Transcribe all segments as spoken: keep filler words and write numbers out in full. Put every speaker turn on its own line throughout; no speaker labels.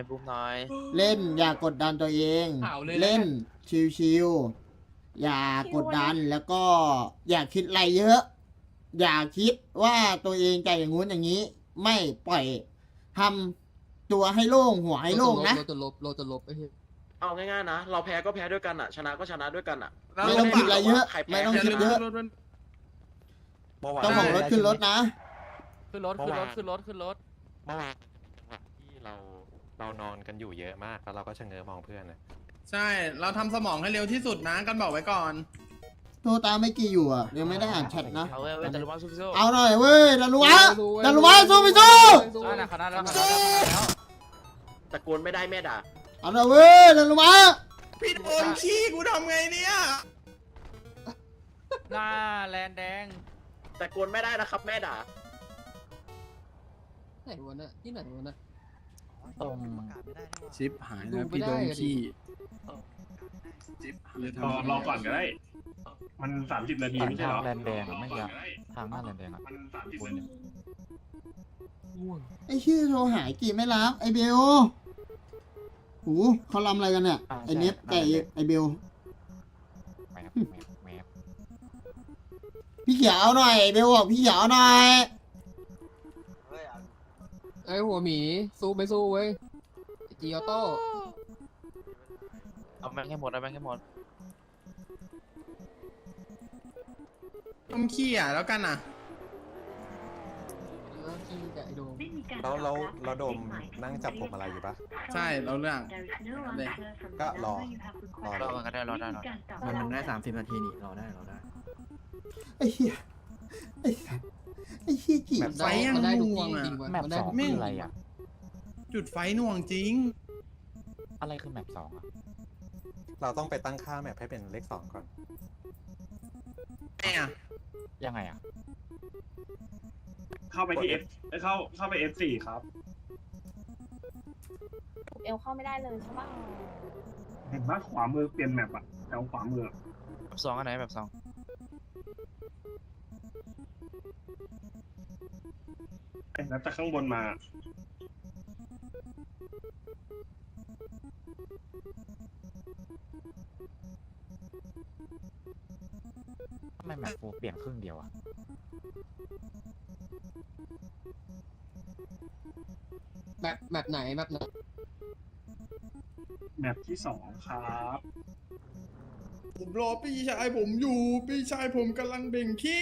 บูมหน่อย
เล่นอย่ากดดันตัวเอง เล่นชิวๆอย่ากดดันแล้วก็อย่าคิดอะไรเยอะ อย่าคิดว่าตัวเองจะอย่างงู้นอย่างนี้ ไม่ปล่อยทำตัวให้โล่งหัวให้โล่งนะ
เราจะลบเราจะลบไอ้เหี้ย
เอาง่ายๆนะเราแพ้ก็แพ้ด้วยกันอ่ะชนะก็ชนะด้วยกันอ่ะ
ไม่ต้องคิดอะไรเยอะ
ใครแพ้
ไม่ต้องคิดเยอะต้องของรถขึ้นรถนะ
ขึ้นรถขึ้นรถขึ้นรถขึ้นรถ
เมื่อวานที่เราเรานอนกันอยู่เยอะมากแล้วเราก็ชะเง้อมองเพื่อนนะ
ใช่เราทำสมองให้เร็วที่สุดนะกันบอกไว้ก่อน
โทรตามไม่กี่อยู่อ่ะยังไม่ได้อ่านแชทนะ
เอาเว้ยเว้ยแต่รู้ว่าสู้ๆ
เอาหน่อยเว้ยดันลุวะดันลุวะสู้ไปสู้
อ่านะคณะแล้วคณะแล้ว
ตะโกนไม่ได้แม่ด่า
เอาหน่อยเว้ยดันลุวะ
พี่โดนขี้กูทำไงเนี่ย
หน้าแลนแดง
ตะโกนไม่ได้นะครับแม่ด่า
ไหนวะน่ะที่ไหนวะน่ะ
ตรง
ชิปหาย
ดู
นะ
ไม่
พี่
ได้
โดน
อะดิ
ขี้ชิปหาย
รอรอก่อนก็ได้ มันสามสิบนาทีไม่ใช่เหรอ
แลนแดงอ่ะไม่ยากทางหน้าแลนแดงอ่ะ
มันสามสิบนาที
ไอ้ชื่อโทรหายกี่ไม่รับไอ้เบลหูเขาลำอะไรกันเนี่ยไอ้เน็ตไก่ไอ้เบล
แมปแมปแมป
พี่เขียวเอาหน่อยไอ้เบลบอกพี่เขียวเอาหน่อย
ไอ้หัวหมีสู้ไม่สู้เว้ยไอ้จีออโต้
เอาแม่งให้หมดเอาแม่งให้หมด
ทำขี้อ่ะแล้วกันอ่ะ
แล้วที่กับไอ้โดม
แล้วเราเราโดมนั่งจับผมอะไรอยู่ปะ
ใช่เราเรื่อง เลย
ก็รอรอ
รอกันก็ได้รอได้รอ
มันได้สามสิบนาทีนี่รอได้รอได้
ไอ้เหี้ยไอ้สัสไอ้เหี้ยจีบ
ไฟยัง
มันได้ทุก
น่ว
ที่
งอ่ะ
จริงวะ
แมป
มันได้
สอง
ทุก
คือ
ที่
อะไรอ่ะ
จุดไฟหน่วงจริง
อะไรคือแมปสองอ่ะเราต้องไปตั้งค่าแมปให้เป็นเลขสองก่อน
ไงอ่ะ
ยังไงอ่ะ
เข้าไปที่ F เอ้ยเข้าเข้าไป เอฟ โฟร์ ครับ
เอลเข้าไม่ได้เลยใช่ปะ
เห็นว่าขวามือเปลี่ยนแมปอะแถวขวามือ
แบบสองอันไหนแบบสอง
เอ้ยแล้วจากข้างบนมา
ทำไมแมปโฟร์เปลี่ยนครึ่งเดียวอ่ะ
แบบแบบไหนแบบไหน
แมปที่สองครับ
ผมรอพี่ชายผมอยู่พี่ชายผมกำลังเบ่งขี้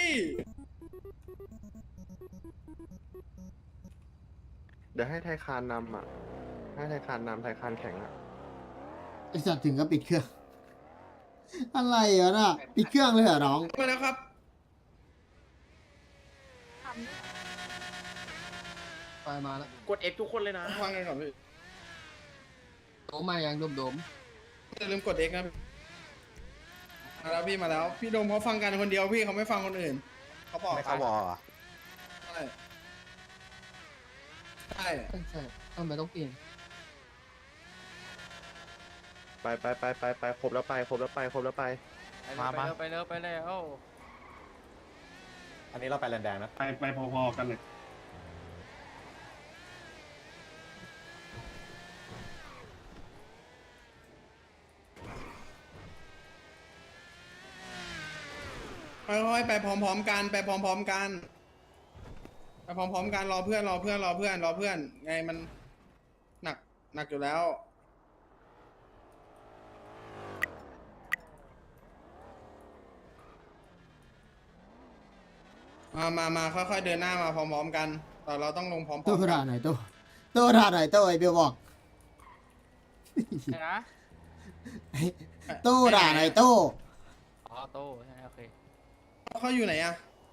เดี๋ยวให้ไทยคานนำอ่ะ ให้ไทยคานนำไทยคานแข็งอ่ะ
ไอ้สัตว์ถึงก็ปิดเครื่อง อะไรอ่ะน่ะปิดเครื่องเลยเหรอน้อง
มาแล้วครับ
ไปมาแล้ว
กด X ทุกคนเลยนะ
ฟังกันก่อนพี่
โดมมายังโดมโดม
อย่าลืมกด X นะมาแล้วพี่มาแล้ว พี่โดมเขาฟังกันคนเดียวพี่เขาไม่ฟังคนอื่นเขาบอก
ไม่เข้าวอลอ่ะ
ใช่ใช่
ใช่ใช่ทำไมต้องเปลี่ยน
ไปไปไปไปไปครบแล้วไปครบแล้วไปครบแล้วไป
ไปเร็วไปเร็วไปเร็วไปเร็ว
อันนี้เราไปแลนแดงนะ
ไปไปพอๆกันเลย
ค่อยๆไปพร้อมๆกันไปพร้อมๆกันไปพร้อมๆกันรอเพื่อนรอเพื่อนรอเพื่อนรอเพื่อนไงมันหนักหนักอยู่แล้ว มามามาค่อยๆเดินหน้ามาพร้อมๆกัน แต่เราต้องลงพร้อมๆ
ตู้
กั
ด่าน หน่อยตู้ตู้ด่าหน่อยตู้ไอ้เบลบอก
ไหนนะ
ตู้ด่าหน่อยตู้
อ๋อโต้ใช่โอเค
เขาอยู่ไหนอะ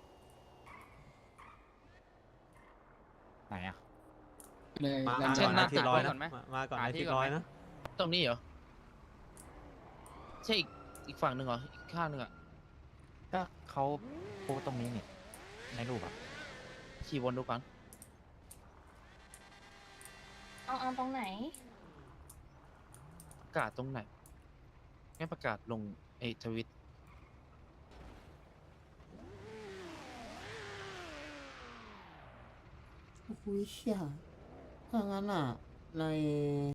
ไหนอ่ะ
เลย
มา
แล้ว
เช่นหน้าตึก
ร้อย
ก่
นะ
อนไหม
มาก่อน
หา
ไอ้
ที่
ที่
ก่อน
ร้อย
ไหม
นะ
ตรงนี้เหรอใช่อีกอีกฝั่งหนึ่งเหรออีกข้างหนึ่งอ่ะ
ก็เขาโพสต์ตรงนี้นี่ในรูปอ่ะ
ขี่วนดูก่อน
เอาเอาตรงไหน
ประกาศตรงไหนไม่ประกาศลงไอ้ทวิต
โอ้ยเชี่ยถ้างั้นอ่ะ ใน